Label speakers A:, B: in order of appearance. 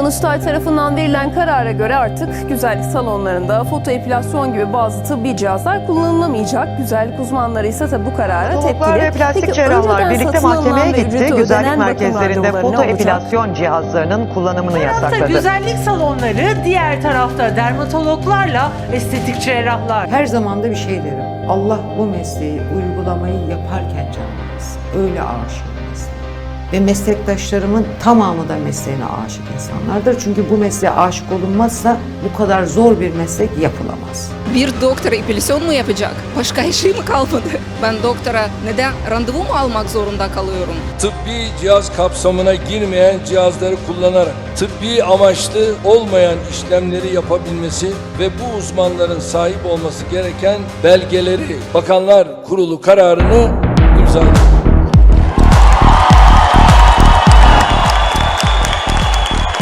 A: Danıştay tarafından verilen karara göre artık güzellik salonlarında fotoepilasyon gibi bazı tıbbi cihazlar kullanılamayacak. Güzellik uzmanları ise tabi bu karara
B: Odontologlar
A: tepkili.
B: ve plastik
A: Peki,
B: cerrahlar
A: önceden
B: birlikte
A: satın alınan
B: mahkemeye
A: ve
B: gitti.
A: ücreti
B: Güzellik
A: ödenen bakım
B: merkezlerinde
A: randevuları ne olacak?
B: fotoepilasyon cihazlarının kullanımını
C: tarafta
B: yasakladı.
C: güzellik salonları, diğer tarafta dermatologlarla estetik cerrahlar.
D: Her zaman da bir şey derim. Allah bu mesleği, uygulamayı yaparken canlansın. Öyle aşık mesleğe. Ve meslektaşlarımın tamamı da mesleğine aşık insanlardır. Çünkü bu mesleğe aşık olunmazsa bu kadar zor bir meslek yapılamaz.
E: Bir doktora epilasyon mu yapacak? Başka işi mi kalmadı? Ben doktora neden randevu mu almak zorunda kalıyorum?
F: Tıbbi cihaz kapsamına girmeyen cihazları kullanarak tıbbi amaçlı olmayan işlemleri yapabilmesi ve bu uzmanların sahip olması gereken belgeleri Bakanlar Kurulu kararını imzaladı.